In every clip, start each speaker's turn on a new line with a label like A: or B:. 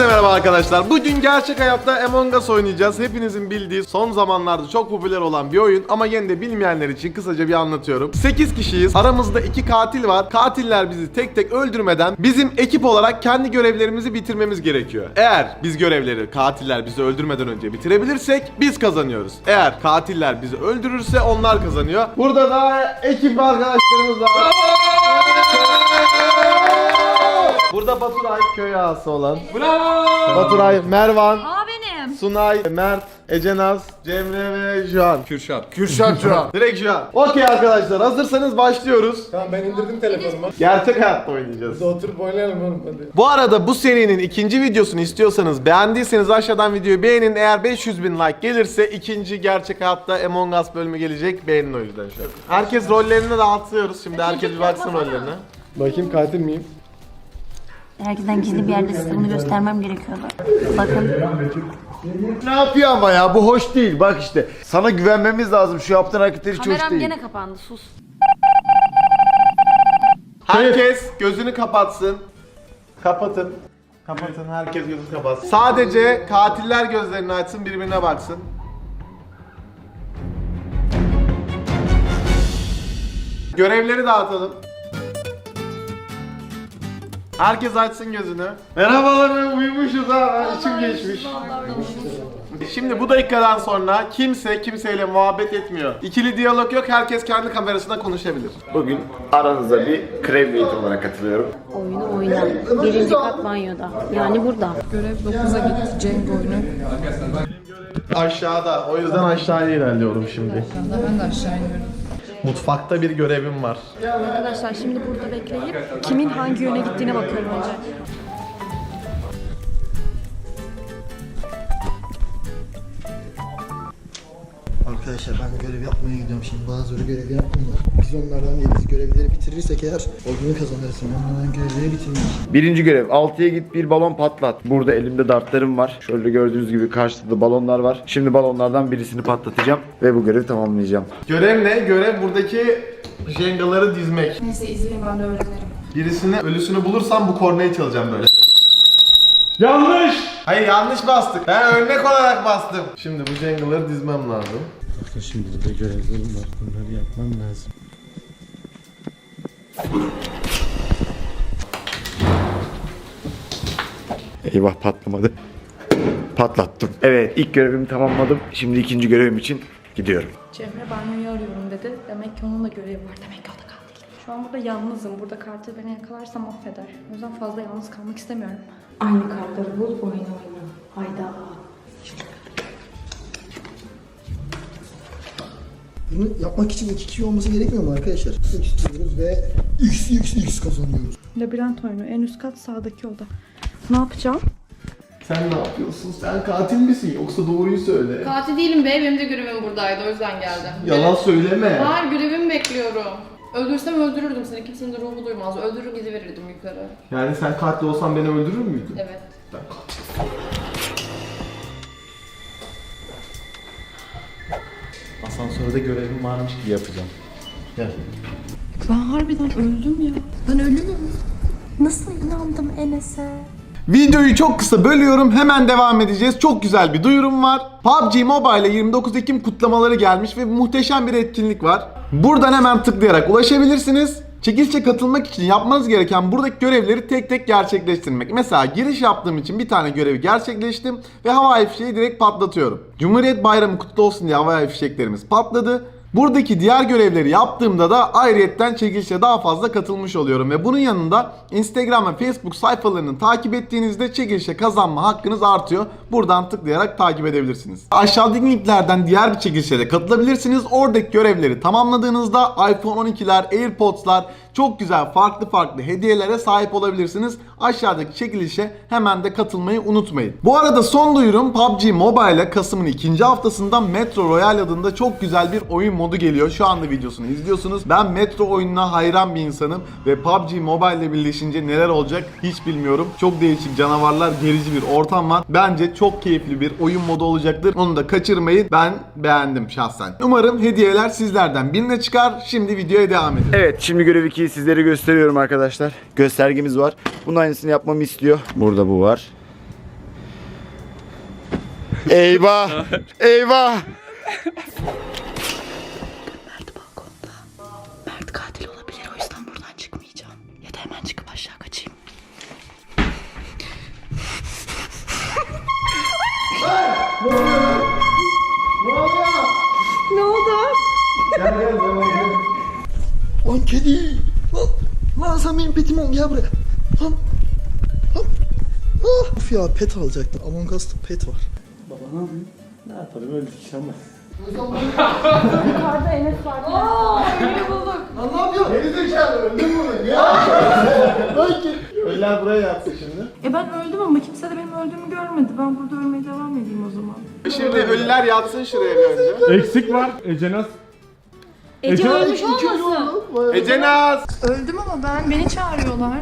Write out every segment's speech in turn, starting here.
A: Hepinize merhaba arkadaşlar. Bugün gerçek hayatta Among Us oynayacağız. Hepinizin bildiği, son zamanlarda çok popüler olan bir oyun ama yine de bilmeyenler için kısaca bir anlatıyorum. 8 kişiyiz. Aramızda 2 katil var. Katiller bizi tek tek öldürmeden bizim ekip olarak kendi görevlerimizi bitirmemiz gerekiyor. Eğer biz görevleri katiller bizi öldürmeden önce bitirebilirsek biz kazanıyoruz. Eğer katiller bizi öldürürse onlar kazanıyor. Burada da ekip arkadaşlarımız var. Burada Baturay, köy ağası olan. Bravo! Baturay, Mervan,
B: Benim.
A: Sunay, Mert, Ecenaz, Cemre ve Juan.
C: Kürşat Juan.
A: Direkt Juan. Okey arkadaşlar, hazırsanız başlıyoruz.
C: Tamam, ben indirdim telefonumu.
A: Gerçek hayatta oynayacağız.
C: Burada oturup oynayalım oğlum hadi.
A: Bu arada bu serinin ikinci videosunu istiyorsanız, beğendiyseniz aşağıdan videoyu beğenin. Eğer 500.000 like gelirse ikinci gerçek hayatta Among Us bölümü gelecek. Beğenin o yüzden şu an. Herkes rollerini dağıtıyoruz. Şimdi herkes bir baksın rollerine.
C: Bakayım katil miyim?
B: Herkesten gizli bir yerde size bunu göstermem gerekiyordu. Bakın.
D: Ne yapıyor ama ya, bu hoş değil. Bak işte sana güvenmemiz lazım, şu yaptığın hareketler hiç hoş
B: Kameram
D: değil.
B: gene kapandı, sus.
A: Herkes gözünü kapatsın. Kapatın. Kapatın, herkes gözünü kapatsın. Sadece katiller gözlerini açsın, birbirine baksın. Görevleri dağıtalım. Herkes açsın gözünü. Merhabalar, uyumuşuz ha, içim geçmiş. Şimdi bu dakikadan sonra kimse kimseyle muhabbet etmiyor. İkili diyalog yok, herkes kendi kamerasına konuşabilir.
D: Bugün aranıza bir kreviyet olarak katılıyorum.
B: Oyunu oyna. Birinci kat banyoda. Yani burada.
E: Görev 9'a gitti Cenk oyunu.
A: Aşağıda, o yüzden aşağıya ilerliyorum şimdi.
E: Ben de aşağı iniyorum.
A: Mutfakta bir görevim var.
F: Arkadaşlar şimdi burada bekleyip kimin hangi yöne gittiğine bakıyorum önce.
G: Arkadaşlar ben görev yapmaya gidiyorum şimdi. Bazıları görev yapmıyorlar. Biz onlardan değiliz. Görevleri bitirirsek eğer oyunu kazanırız. Onlardan görevleri bitirmek.
D: Birinci görev, 6'ya git bir balon patlat. Burada elimde dartlarım var. Şöyle gördüğünüz gibi karşıda balonlar var. Şimdi balonlardan birisini patlatacağım ve bu görevi tamamlayacağım.
A: Görev ne? Görev buradaki jengaları dizmek.
E: Neyse izleyin, ben de öğrenirim.
A: Birisini, ölüsünü bulursam bu kornayı çalacağım böyle. Yanlış! Hayır, yanlış bastık. Ben örnek olarak bastım. Şimdi bu jengaları dizmem lazım.
C: Şimdi de görevlerim var. Bunları yapmam lazım.
D: Eyvah, patlamadı. Patlattım. Evet, ilk görevimi tamamladım. Şimdi ikinci görevim için gidiyorum.
F: Cemre banyoyu arıyorum dedi. Demek ki onun da görevi var. Demek ki o da katil. Şu an burada yalnızım. Burada katil beni yakalarsa mahveder. O yüzden fazla yalnız kalmak istemiyorum.
B: Aynı kartları bul, oyna. Hayda.
G: Bunu yapmak için 2 kişi olması gerekmiyor mu arkadaşlar? X diyoruz ve X kazanıyoruz.
F: Labirent oyunu. En üst kat sağdaki oda. Ne yapacağım?
A: Sen ne yapıyorsun? Sen katil misin? Yoksa doğruyu söyle.
H: Katil değilim be, benim de görevim buradaydı, o yüzden geldim.
A: Yalan söyleme.
H: Hayır, görevimi bekliyorum. Öldürsem öldürürdüm seni, kimsenin de ruhu duymaz. Öldürür gidiverirdim yukarı.
A: Yani sen katil olsan beni öldürür müydün?
H: Evet.
A: Ben katil. Asansörde görevim varmış gibi yapacağım. Gel.
F: Ben harbiden öldüm ya. Ben ölüyorum. Nasıl inandım Enes'e?
A: Videoyu çok kısa bölüyorum, hemen devam edeceğiz. Çok güzel bir duyurum var. PUBG Mobile'e 29 Ekim kutlamaları gelmiş ve muhteşem bir etkinlik var. Buradan hemen tıklayarak ulaşabilirsiniz. Çekilişe katılmak için yapmanız gereken buradaki görevleri tek tek gerçekleştirmek. Mesela giriş yaptığım için bir tane görevi gerçekleştim ve havai fişeği direkt patlatıyorum. Cumhuriyet Bayramı kutlu olsun diye havai fişeklerimiz patladı. Buradaki diğer görevleri yaptığımda da ayrıyetten çekilişe daha fazla katılmış oluyorum ve bunun yanında Instagram ve Facebook sayfalarını takip ettiğinizde çekilişe kazanma hakkınız artıyor. Buradan tıklayarak takip edebilirsiniz. Aşağıdaki linklerden diğer bir çekilişe de katılabilirsiniz. Oradaki görevleri tamamladığınızda iPhone 12'ler, AirPods'lar, çok güzel farklı hediyelere sahip olabilirsiniz. Aşağıdaki çekilişe hemen de katılmayı unutmayın. Bu arada son duyurum, PUBG Mobile'e Kasım'ın 2. haftasında Metro Royale adında çok güzel bir oyun modu geliyor. Şu anda videosunu izliyorsunuz. Ben Metro oyununa hayran bir insanım ve PUBG Mobile ile birleşince neler olacak hiç bilmiyorum. Çok değişik canavarlar, gerici bir ortam var. Bence çok keyifli bir oyun modu olacaktır. Onu da kaçırmayın. Ben beğendim şahsen. Umarım hediyeler sizlerden birine çıkar. Şimdi videoya devam edelim.
D: Evet, şimdi görev 2'yi sizlere gösteriyorum arkadaşlar. Göstergemiz var. Bunun aynısını yapmamı istiyor. Burada bu var. Eyvah! Eyvah!
F: Mert katil olabilir, o yüzden buradan çıkmayacağım. Ya da hemen çıkıp aşağı kaçayım.
G: Lan kedi. Lan sen benim petim ol, gel buraya. Lan. Lan. Ah. Of ya, pet alacaktım. Among Us'ta pet var.
C: Ne yapalım öldük ama.
F: Yukarıda Enes var. Enes'i bulduk.
G: Lan ne yapıyorsun?
A: Geri zekalı öldün mü? Ya!
G: Lan kedi.
A: Öller buraya yatsın şimdi.
F: Ben öldüm ama kimse de benim öldüğümü görmedi. Ben burada ölmeye devam edeyim o zaman.
A: Şimdi ölüler yatsın şuraya bir önce.
C: Eksik var. Ecenaz.
B: Ece ölmüş olmasın?
A: Ecenaz!
F: Öldüm ama beni çağırıyorlar.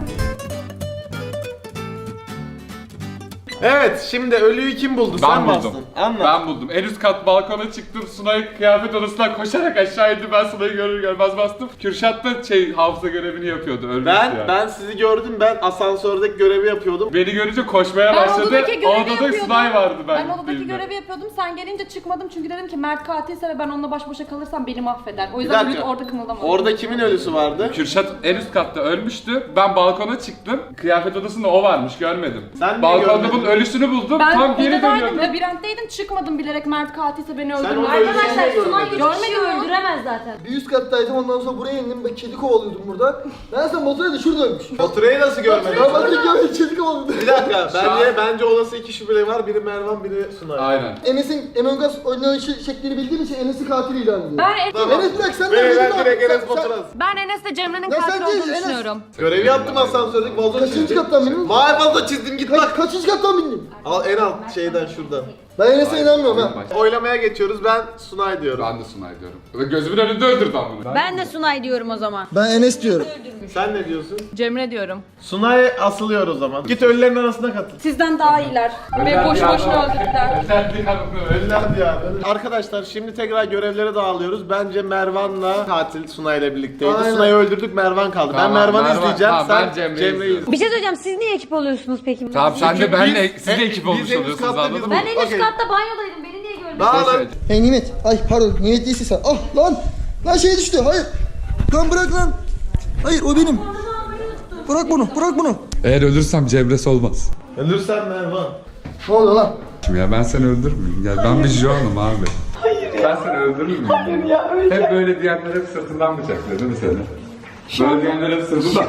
A: Evet, şimdi ölüyü kim buldu?
I: Ben
A: Sen
I: buldum.
A: bastın. Anlat.
I: Ben buldum. En üst kat balkona çıktım. Sunay kıyafet odasından koşarak aşağı indi. Ben Sunay'ı görür görmez bastım. Kürşat da hafıza görevini yapıyordu. Ölmüştü yani.
A: Ben sizi gördüm. Ben asansördeki görevi yapıyordum.
I: Beni görünce koşmaya başladı. Odada Sunay vardı
H: Ben odadaki görevi yapıyordum. Sen gelince çıkmadım çünkü dedim ki Mert katilse ve ben onunla baş başa kalırsam beni mahveder. O yüzden
A: dakika.
H: orada kımıldamadım.
A: Orada kimin ölüsü vardı?
I: Kürşat en üst katta ölmüştü. Ben balkona çıktım. Kıyafet odasında o varmış, görmedim.
A: Sen niye
I: Balkonda
A: görmedin?
I: bunun ölüsünü buldum.
H: Ben
I: Tam geri
H: odadaydım,
I: dönüyordum.
H: labirentteydim, çıkmadım bilerek Mert katilse beni öldürür.
A: onu öldürdün.
B: Arkadaşlar Sunay gibi
H: Görmedim
B: kişiyi
H: ya.
B: öldüremez zaten.
G: Bir üst kattaydım, ondan sonra buraya indim. Ben kedi kovalıyordum burada. Ben sen motora da şurada ölmüş.
A: Faturayı nasıl görmedin?
G: Ben Baturay'ı görmedim, kedi kovalıyordum.
A: Bir dakika, bence olası iki şüpheli var. Biri Mervan, biri Sunay.
I: Aynen.
G: Enes'in Among Us oynanışı şeklini bildiğim için Enes'i katil ilan ediyorum.
H: Ben
G: Enes bırak, sen de
A: Ben
G: dedin abi.
A: direkt Enes
G: Sen-
A: Batur'a.
H: Ben Enes'le Cemre'nin
G: Ya sen
H: katil
G: değil,
H: olduğunu
G: Enes.
H: düşünüyorum.
A: Görevi yaptım asansördeki vazo
G: Kaçıncı
A: çizdim.
G: kattan bindin?
A: Mavi vazo çizdim, git bak.
G: Kaçıncı kattan bindin?
A: Al en alt şeyden şuradan.
G: Ben Enes'e inanmıyorum ha.
A: Oylamaya geçiyoruz. Ben Sunay diyorum.
I: Ben de Sunay diyorum. Ve gözümün önünde öldürdü bunu.
B: Ben de Sunay diyorum o zaman.
G: Ben Enes diyorum.
A: Sen ne diyorsun?
H: Cemre diyorum.
A: Sunay asılıyor o zaman. Git ölülerin arasına katıl.
H: Sizden daha iyiler. Beni boşu boşuna öldürdüler.
A: Ölüler diyor abi. Arkadaşlar şimdi tekrar görevlere dağılıyoruz. Bence Mervan'la katil Sunay ile birlikteydi.
G: Aynen.
A: Sunay'ı öldürdük, Mervan kaldı.
I: Tamam,
A: ben Mervan'ı
I: Mervan-
A: izleyeceğim.
I: tamam,
A: sen
I: ben Cemre'yi
A: Cemre'yi
I: izliyorum.
A: izle.
B: Bir şey söyleyeceğim, siz niye ekip oluyorsunuz peki?
I: Tamam sen de
A: Çünkü
I: benle,
A: biz-
I: siz de ekip
A: biz
I: olmuş
A: en üst
I: oluyorsunuz,
A: katta
I: anladın mı?
B: Ben en üst
A: Okey.
B: katta banyodaydım, beni niye görmedin?
A: Dağılın.
G: Hey Nimet. Ay pardon, Nimet değilsin sen. Ah lan. Lan şey düştü, hayır. Lan bırak lan. Hayır, o benim. Bırak bunu, bırak bunu.
I: Eğer ölürsem Cemre'si olmaz.
A: Ölürsen Mervan.
G: Ne oluyor lan?
I: Ya ben seni öldürmeyeyim. Gel ben bir John'um abi. Hayır ya. Ben seni öldürmeyeyim. Hayır ya öyle. Hep böyle diyenler hep sırtından bıçaklıyor değil mi seni? Böyle diyenler hep sırtından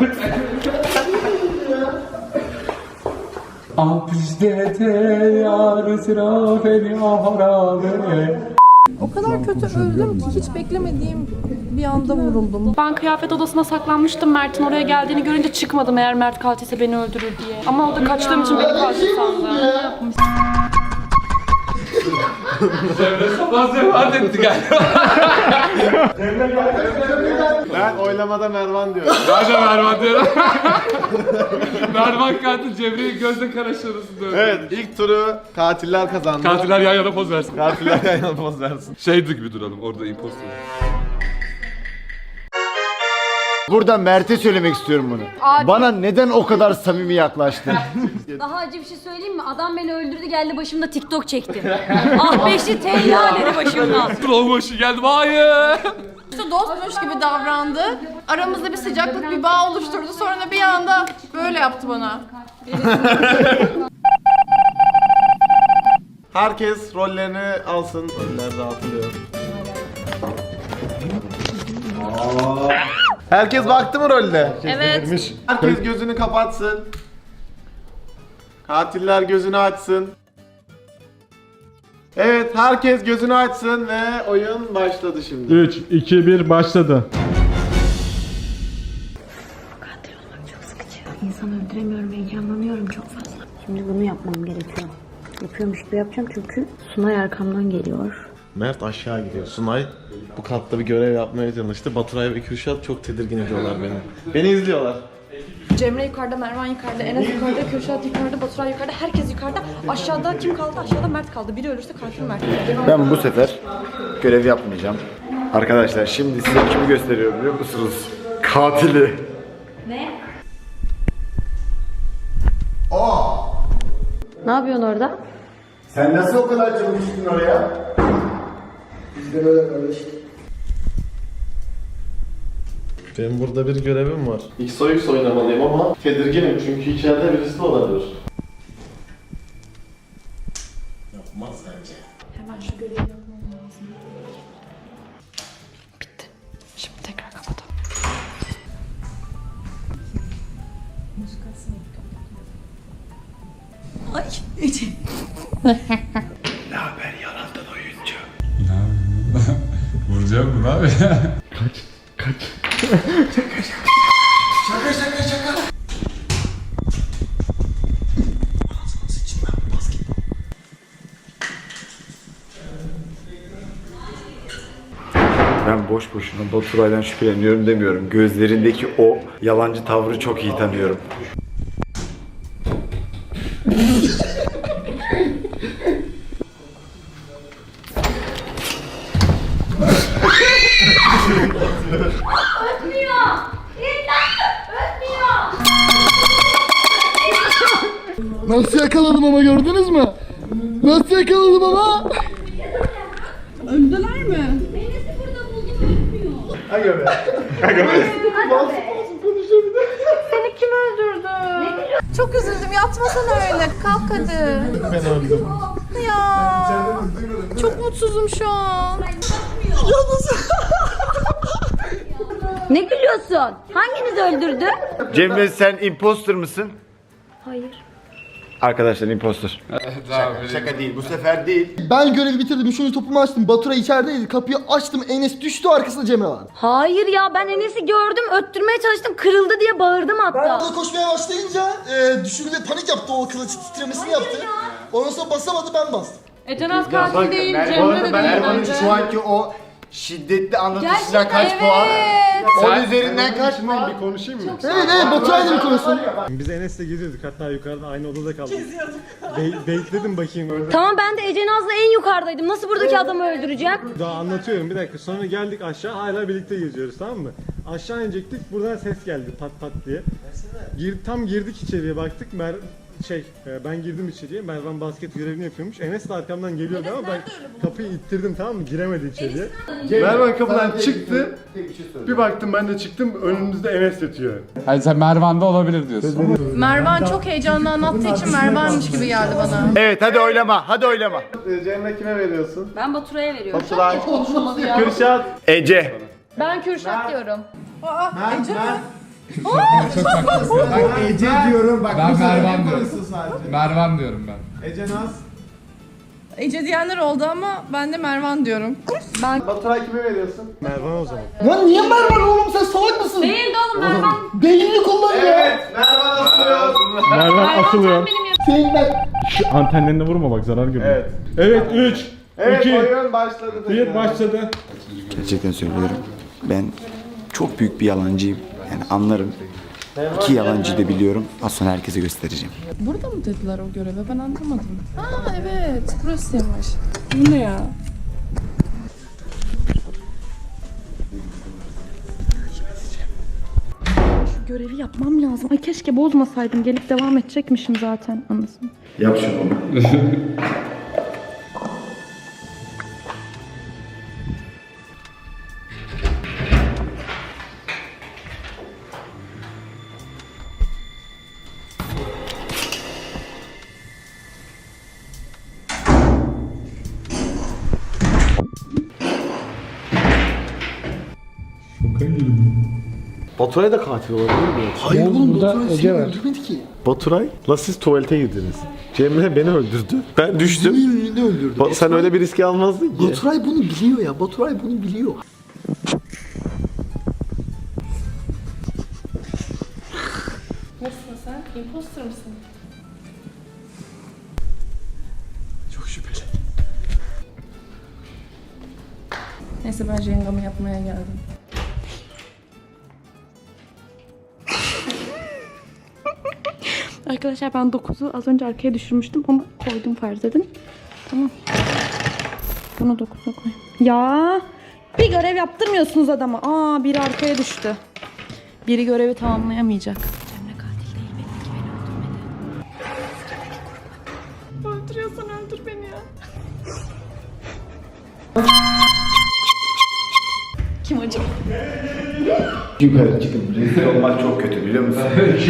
E: O kadar kötü öldüm ki hiç beklemediğim bir anda vuruldum.
H: Ben kıyafet odasına saklanmıştım. Mert'in oraya geldiğini görünce çıkmadım eğer Mert katilse beni öldürür diye. Ama o da kaçtığım için beni katil sandı.
I: Cemre sabah devam etti galiba.
A: Ben oylamada Mervan diyorum.
I: Ben de Mervan diyorum. Mervan katil Cemre'yi gözle karaştırırsın diyor.
A: Evet, ilk turu katiller kazandı.
I: Katiller yan yana poz versin.
A: Katiller yan yana poz versin.
I: Şeydi gibi duralım orada impostor.
D: Burada Mert'e söylemek istiyorum bunu. Bana neden o kadar samimi yaklaştın?
B: Daha acı bir şey söyleyeyim mi? Adam beni öldürdü, geldi başımda TikTok çekti. Ah beşli teyla dedi başımdan.
I: Trollbaşı geldim hayır.
E: İşte dostmuş gibi davrandı. Aramızda bir sıcaklık, bir bağ oluşturdu. Sonra da bir anda böyle yaptı bana.
A: Herkes rollerini alsın. Roller dağıtılıyor. Herkes baktı mı rolde?
B: Evet.
A: Herkes gözünü kapatsın. Katiller gözünü açsın. Evet, herkes gözünü açsın ve oyun başladı şimdi.
C: 3, 2, 1 başladı.
B: Katil olmak çok sıkıcı. İnsan öldüremiyorum, heyecanlanıyorum çok fazla. Şimdi bunu yapmam gerekiyor. Yapıyormuş gibi yapacağım çünkü Sunay arkamdan geliyor.
A: Mert aşağı gidiyor. Sunay bu katta bir görev yapmaya çalıştı. Baturay ve Kürşat çok tedirgin ediyorlar beni. Beni izliyorlar.
F: Cemre yukarıda, Mervan yukarıda, Enes yukarıda, Kürşat yukarıda, Baturay yukarıda, herkes yukarıda. Aşağıda kim kaldı? Aşağıda Mert kaldı. Biri ölürse katil Mert.
D: Ben bu sefer görev yapmayacağım. Arkadaşlar şimdi size kimi gösteriyorum biliyor musunuz? Katili.
B: Ne yapıyorsun orada?
D: Sen nasıl o kadar çabuk çıktın oraya?
G: Biz de böyle kardeş.
A: Benim burada bir görevim var. XOX oynamalıyım ama tedirginim çünkü içeride birisi de olabilir. Yapmaz bence.
H: Hemen şu görevi yapmam lazım. Bitti. Şimdi tekrar kapatalım.
B: Ay Ece.
D: Ne haber yalandan oyuncu?
I: Vuracağım mı abi?
D: Ben boş boşuna Baturay'dan şüpheleniyorum demiyorum. Gözlerindeki o yalancı tavrı çok iyi tanıyorum.
G: Nasıl yakaladım ama gördünüz mü? Nasıl yakaladım ama?
E: Öldüler mi? Seni kim öldürdü? Çok üzüldüm. Yatmasana öyle. Kalk hadi.
A: Ben öldüm.
E: Ya. Çok mutsuzum şu an.
B: Ne gülüyorsun? Hanginiz öldürdü?
D: Cemre sen imposter mısın?
B: Hayır.
D: Arkadaşlar imposter. Şaka değil, bu sefer değil.
G: Ben görevi bitirdim. Şunu topumu açtım. Baturay içerideydi. Kapıyı açtım. Enes düştü. Arkasında Cemre vardı.
B: Hayır ya, ben Enes'i gördüm, öttürmeye çalıştım, kırıldı diye bağırdım
G: Ben
B: hatta.
G: orada koşmaya başlayınca düşürdü ve panik yaptı. O kılıç titremesini yaptı. Ondan sonra basamadı, ben bastım.
H: Ecenaz katil değil, Cemre de değil bence.
D: şu anki o şiddetli anlatışına
E: Gerçekten
D: kaç
E: evet.
D: puan? 10 üzerinden kaç puan?
A: Bir konuşayım mı?
G: Evet Baturay'la bir konuşsun.
C: Biz Enes'le geziyorduk, hatta yukarıda aynı odada kaldık. Bekledim bakayım orada.
B: Tamam, ben de Ece Naz'la en yukarıdaydım. Nasıl buradaki adamı öldüreceğim?
C: Daha anlatıyorum, bir dakika. Sonra geldik aşağı, hala birlikte geziyoruz, tamam mı? Aşağı inecektik, buradan ses geldi pat pat diye. Tam girdik içeriye, baktık. Ben girdim içeriye. Mervan basket görevini yapıyormuş. Enes de arkamdan geliyordu ama ben kapıyı ittirdim, tamam mı? Giremedi içeriye. Mervan kapıdan çıktı. Bir baktım, ben de çıktım. Önümüzde Enes yatıyor.
I: Hayır sen Mervan'da olabilir diyorsun.
E: Mervan çok heyecanlı anlattığı için Mervan'mış gibi geldi bana.
D: Evet hadi oylama, hadi oylama.
A: Cemre kime veriyorsun?
B: Ben Baturay'a veriyorum.
A: Baturay. Kürşat.
D: Ece.
E: Ben Kürşat diyorum.
A: Ece diyorum bak.
I: Ben Mervan diyorum. Mervan diyorum ben.
A: Ece Naz.
E: Ece diyenler oldu ama ben de Mervan diyorum.
A: Baturay kime veriyorsun?
C: Mervan o zaman.
G: Lan niye Mervan oğlum, sen salak mısın?
B: Değildi oğlum Mervan.
G: Beynini kullan ya.
A: Mervan asılıyor.
C: Mervan asılıyor.
G: Senin ben.
C: Şu antenlerine vurma bak, zarar görüyor.
A: Evet.
C: Evet, 3,
A: Evet
C: 2,
A: oyun başladı.
C: 1 başladı.
D: Gerçekten söylüyorum. Ben çok büyük bir yalancıyım. Yani anlarım. İki yalancıyı da biliyorum. Az sonra herkese göstereceğim.
E: Burada mı dediler o göreve? Ben anlamadım. Aa evet, burasıymış. Bu ne ya?
H: Şu görevi yapmam lazım. Ay keşke bozmasaydım. Gelip devam edecekmişim zaten anasını.
D: Yap şunu.
A: Baturay da katil olabilir mi?
G: Hayır oğlum, Baturay seni öldürmedi ki.
A: Baturay, la siz tuvalete girdiniz. Cemre beni öldürdü. Ben düştüm.
G: Senin önünde öldürdü.
A: Sen öyle bir riski almazdın ki.
G: Baturay bunu biliyor ya. Baturay bunu biliyor.
E: Nasılsın sen? Imposter mısın?
G: Çok şüpheli.
E: Neyse ben jengamı yapmaya geldim.
H: Arkadaşlar ben 9'u az önce arkaya düşürmüştüm ama koydum farz edin. Tamam. Bunu 9'a koy. Ya bir görev yaptırmıyorsunuz adama. Aa biri arkaya düştü. Biri görevi tamamlayamayacak. Cemre katil değil, belli ki beni öldürmedi. öldürüyorsan öldür beni ya. Kim acaba?
D: Yukarı çıkın. Rezil olmak çok kötü biliyor musun?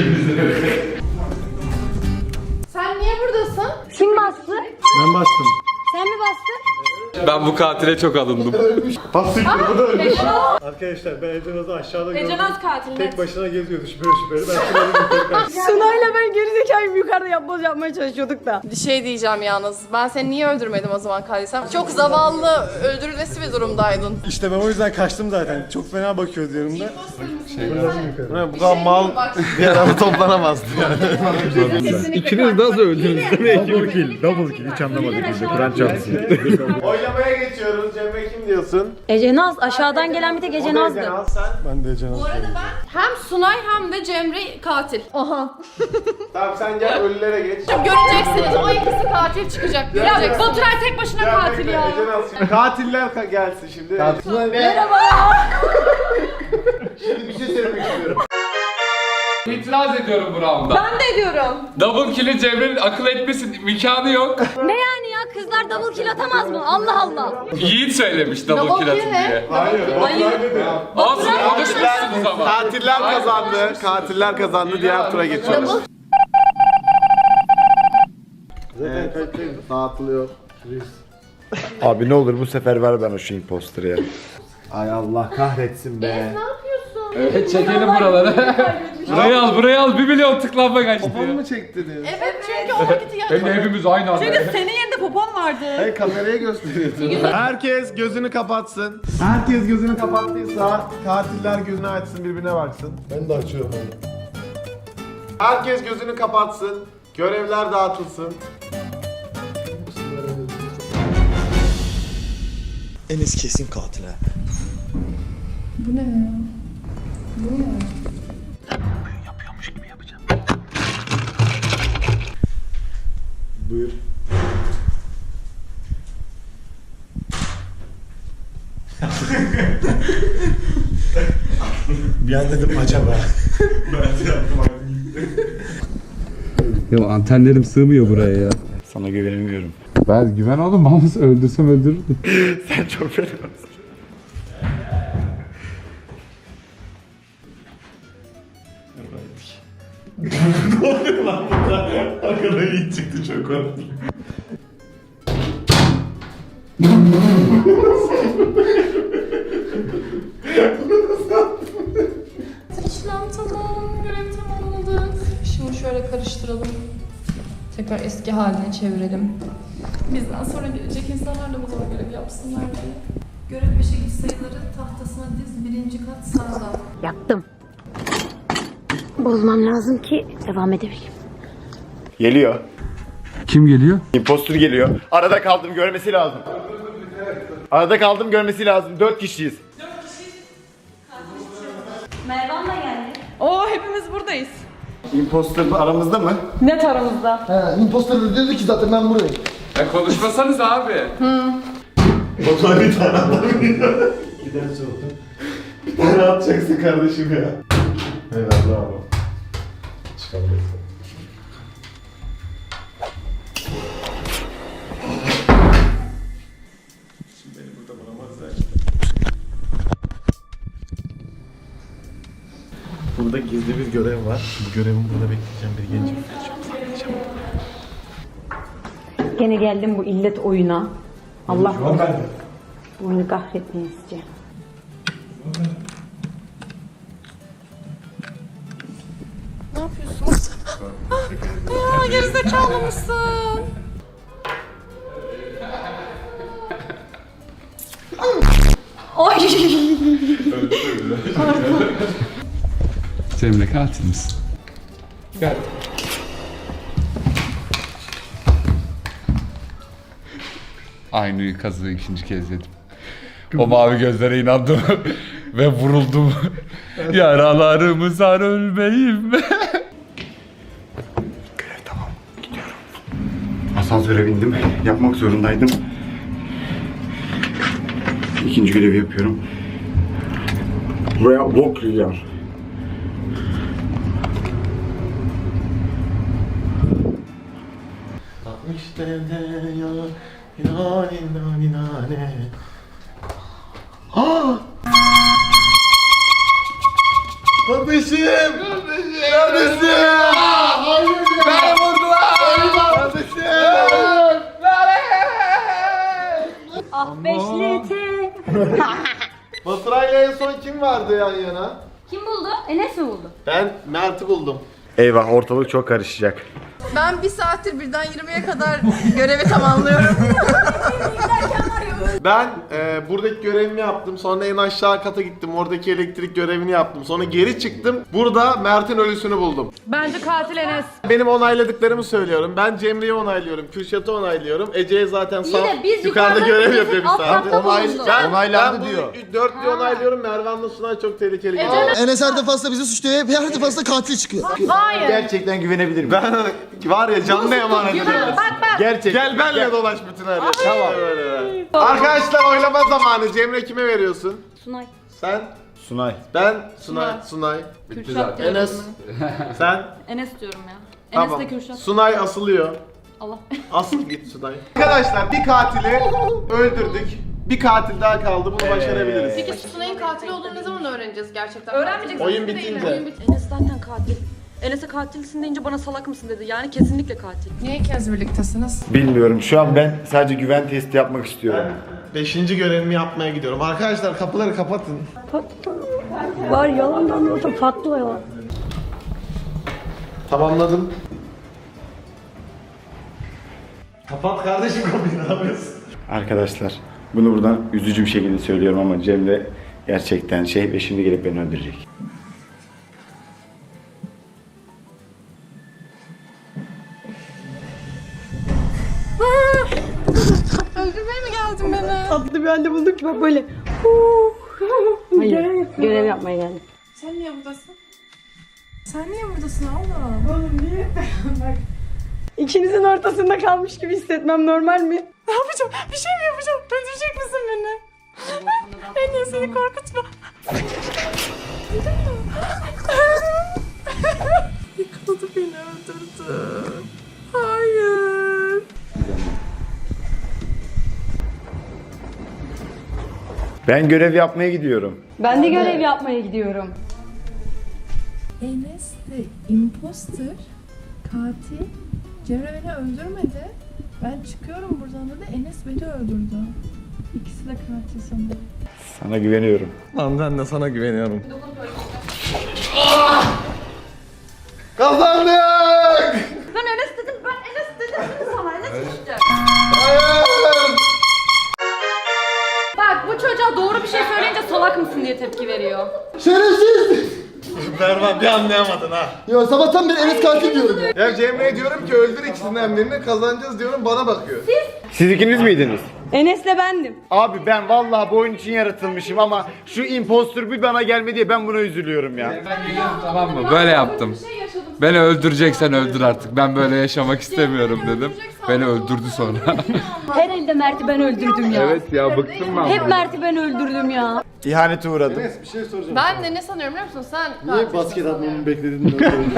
E: Sen niye buradasın?
B: Kim bastı?
C: Ben bastım.
B: Sen mi bastın?
I: Ben bu katile çok alındım.
C: Bu da ölmüş. Arkadaşlar ben Ecenaz'ı aşağıda gördüm.
H: Ecenaz katil.
C: Tek başına geziyordu şüpheli. Ben şuna tekrar.
B: Sunay'la ben gerizekalı yukarıda yapboz yapmaya çalışıyorduk da.
E: Bir şey diyeceğim yalnız. Ben seni niye öldürmedim o zaman Kalisem? Çok zavallı, öldürülesi bir durumdaydın.
C: İşte ben o yüzden kaçtım zaten. Çok fena bakıyordu yanımda. Bu kadar mal bir araba toplanamazdı yani.
A: İkiniz nasıl öldünüz? Double kill. Double kill. Hiç anlamadık biz de. Kur'an çarpsın. Oylamaya geçiyoruz. Cemre kim diyorsun?
B: Ecenaz aşağıdan gelen bir tek Ecenaz'dı.
C: Ecenaz sen. Ben de Ecenaz.
E: Bu arada ben hem Sunay hem de Cemre katil. Aha.
A: Tamam sen gel ölülere geç.
E: Göreceksiniz. O ikisi katil çıkacak. Göreceksiniz.
H: Baturay tek başına katil ya.
A: Ecenaz. Katiller gelsin şimdi. Şimdi bir şey söylemek istiyorum.
I: İtiraz ediyorum bu rounda.
H: Ben de ediyorum.
I: Double kill'i Cemre'nin akıl etmesin imkanı yok.
B: Ne yani ya kızlar double kill atamaz mı? Allah Allah.
I: Yiğit söylemiş double
E: Double
I: kill
E: kill
I: atın
E: ne?
I: diye.
A: Hayır.
I: Olsun konuşmuşsunuz ama.
A: Katiller kazandı. Katiller kazandı. Diğer tura geçiyoruz. Evet, dağıtılıyor.
D: Abi ne olur bu sefer ver bana şu imposter'ı ya. Ay Allah kahretsin be.
I: Evet çekelim buraları. burayı al 1 milyon tıklanma kaçtı
A: Poponu
I: ya.
A: mu çektiniz?
E: Evet çünkü o vakiti
I: Hem de hepimiz aynı anda.
H: Senin yerinde popon vardı.
A: Hayır kameraya gösteriyorsun. Herkes gözünü kapatsın. Herkes gözünü kapattıysa katiller gözünü açsın birbirine baksın.
C: Ben de açıyorum onu.
A: Herkes gözünü kapatsın. Görevler dağıtılsın.
G: Enes kesin katil ha.
A: Buyur.
C: Bir an dedim acaba.
I: Ya antenlerim sığmıyor buraya ya.
D: Sana güvenemiyorum.
I: Ben güven oğlum bana öldürsem öldürürdüm.
D: Sen çok fenasın.
C: Arkadan iyi çıktı çok korktum.
F: İşlem tamam, görev tamamladı. Şimdi şöyle karıştıralım. Tekrar eski haline çevirelim. Bizden sonra gelecek insanlar da bu zor görev yapsınlar diye. Görev beşe git sayıları tahtasına diz, 1. kat sağda.
B: Yaptım. Bozmam lazım ki devam edebileyim.
D: Geliyor.
I: Kim geliyor?
D: Imposter geliyor. Arada kaldım görmesi lazım. Arada kaldım görmesi lazım. 4 kişiyiz.
B: Mervan'la geldi.
H: Oo hepimiz buradayız.
D: Imposter aramızda mı?
H: Net aramızda.
G: He, imposter da diyordu ki zaten ben buradayım.
I: Ya konuşmasanız abi.
C: Batuhan bir tane adam giderse oldu. Bir tane atacaksın kardeşim ya. Evet bravo. Çıkabilirsin. Şimdi beni burada bulamazlar.
A: Burada gizli bir görev var. Bu görevimi burada bekleyeceğim. Bir genci bekleyeceğim.
B: Gene geldim bu illet oyuna. Allah
C: Şu an ben de.
B: bu oyunu kahretmeyi isteyeceğim.
E: Ne yapıyorsun? Ya gerizekalı mısın?
B: Ay.
I: Cemre katil misin? Gel. Aynı kazığı 2. kez yedim. O mavi gözlere inandım ve vuruldum. Yaralarımı sar ölmeyim.
D: Görev tamam. Gidiyorum. Asansöre bindim. Yapmak zorundaydım. 2. görevi yapıyorum. Buraya bok yiyeceğim.
A: işte ne ya. İnane inane inane. Aa! Kardeşim! Kardeşim! Beni vurdular! Kardeşim!
B: Ah beşleti.
A: Baturay'la en son kim vardı yan yana?
B: Kim buldu? Enes mi buldu?
A: Ben Mert'i buldum.
D: Eyvah, ortalık çok karışacak.
E: Ben 1 saattir birden 20'ye kadar görevi tamamlıyorum.
A: Ben buradaki görevimi yaptım. Sonra en aşağı kata gittim. Oradaki elektrik görevini yaptım. Sonra geri çıktım. Burada Mert'in ölüsünü buldum.
H: Bence katil Enes.
A: Benim onayladıklarımı söylüyorum. Ben Cemre'yi onaylıyorum. Kürşat'ı onaylıyorum. Ece'ye zaten sağ
B: biz
A: yukarıda
B: yukarıda
A: görev
B: bizim
A: yapıyor bir
B: alt
A: saat.
B: katta bulunduk.
D: Onaylandı
A: bu
D: diyor.
A: Dörtlüğü onaylıyorum. Mervan'la Sunay çok tehlikeli.
G: Enes her defasında bizi suçluyor. Her defasında katil çıkıyor.
D: Gerçekten güvenebilir miyim?
A: Ben var ya canlı emanet ediyorum.
D: Gerçekten.
A: Gel benle dolaş bütün her yere. Tamam. Arkadaşlar oylama zamanı. Cemre kime veriyorsun?
B: Sunay.
A: Sen?
D: Sunay.
A: Ben? Sunay.
H: Kürşat diyorum.
A: Enes? Sen?
H: Enes diyorum ya.
A: Tamam.
H: Enes de Kürşat.
A: Sunay asılıyor.
H: Allah.
A: Asıl git Sunay. Arkadaşlar bir katili öldürdük. Bir katil daha kaldı. Bunu başarabiliriz.
E: Peki Sunay'ın katil olduğunu ne zaman öğreneceğiz gerçekten?
H: Öğrenmeyeceksin.
A: Oyun bitince.
H: Enes zaten katil. Enes'e katilsin deyince bana salak mısın dedi. Yani kesinlikle katil.
E: Niye ikiniz birliktesiniz?
D: Bilmiyorum. Şu an ben sadece güven testi yapmak istiyorum.
A: 5. görevimi yapmaya gidiyorum. Arkadaşlar kapıları kapatın.
B: Var yalandan olsa patlıyor.
A: Tamamladım. Kapat kardeşim kapıyı, ne yapıyorsun?
D: Arkadaşlar, bunu buradan üzücü bir şekilde söylüyorum ama Cemre gerçekten ve şimdi gelip beni öldürecek.
E: Öldürmeye mi geldin beni?
B: Tatlı bir halde bulduk ki bak böyle. Hayır. Görev yapmaya geldik.
E: Sen niye buradasın? Sen niye buradasın abla? Oğlum niye? Bak.
B: İkinizin ortasında kalmış gibi hissetmem normal mi?
E: Ne yapacağım? Bir şey mi yapacağım? Öldürecek misin beni? En iyi seni korkutma. Yıkıldı beni öldürdü. Hayır.
D: Ben görev yapmaya gidiyorum.
B: Ben de görev yapmaya gidiyorum.
F: Enes de imposter, katil. Cemre beni öldürmedi. Ben çıkıyorum buradan da Enes beni öldürdü. İkisi de katil sanırım.
D: Sana güveniyorum.
A: Lan ben de sana güveniyorum. Kazandık!
H: Ben Enes dedim sana. Enes işte.
A: Hayır!
H: Bak bu çocuğa doğru bir şey söyleyince salak mısın diye tepki veriyor.
G: Şerefsiz.
A: Berman bir anlayamadın ha.
G: Ya sabahtan beri Enes katil diyorum ya.
A: Ya Cemre'ye diyorum ki öldür ikisinden birini, kazanacağız diyorum, bana bakıyor.
D: Siz ikiniz miydiniz?
B: Enes'le bendim.
D: Abi ben vallahi bu oyun için yaratılmışım ama şu impostor bir bana gelmedi diye ben buna üzülüyorum ya.
I: Tamam mı? Böyle yaptım. Beni öldüreceksen öldür artık. Ben böyle yaşamak istemiyorum dedim. Beni öldürdü sonra.
B: Her elde Mert'i ben öldürdüm ya.
I: Evet ya bıktım ben.
B: Hep Mert'i ben öldürdüm ya.
D: İhanete uğradım.
A: Bir şey soracağım.
E: Ben de ne sanıyorum biliyor musun? Sen
G: Niye basket atmamı bekledin?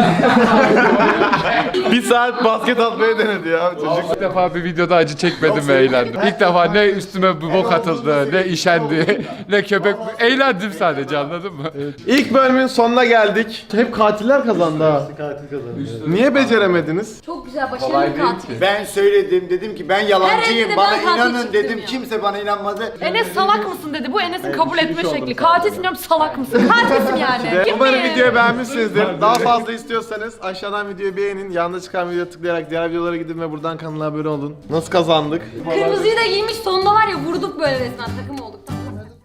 A: Bir saat basket atmaya denedi ya çocuk.
I: İlk defa bir videoda acı çekmedim ve eğlendim. İlk defa ne üstüme bir bok atıldı, ne işendi, ne köpek... Eğlendim sadece, anladın mı?
A: İlk bölümün sonuna geldik. Hep katiller kazandı ha.
G: Katil kazandı.
A: Niye beceremediniz?
B: Çok güzel başarılı katil.
D: Ben söyledim, dedim ki ben
H: Her
D: yalancıyım,
H: evde
D: bana
H: ben katil
D: inanın
H: çıktım
D: dedim,
H: ya.
D: kimse bana inanmadı.
H: Enes salak mısın dedi. Bu Enes'in kabul etme şekli. Katilsin diyorum salak mısın? Katilsin yani.
A: Umarım videoyu beğenmişsinizdir. Daha fazla istiyorsanız aşağıdan videoyu beğenin. Yanında çıkan videoya tıklayarak diğer videolara gidin ve buradan kanala abone olun. Nasıl kazandık?
B: Kırmızıyı da giymiş sonunda var ya vurduk böyle resmen takım olduk.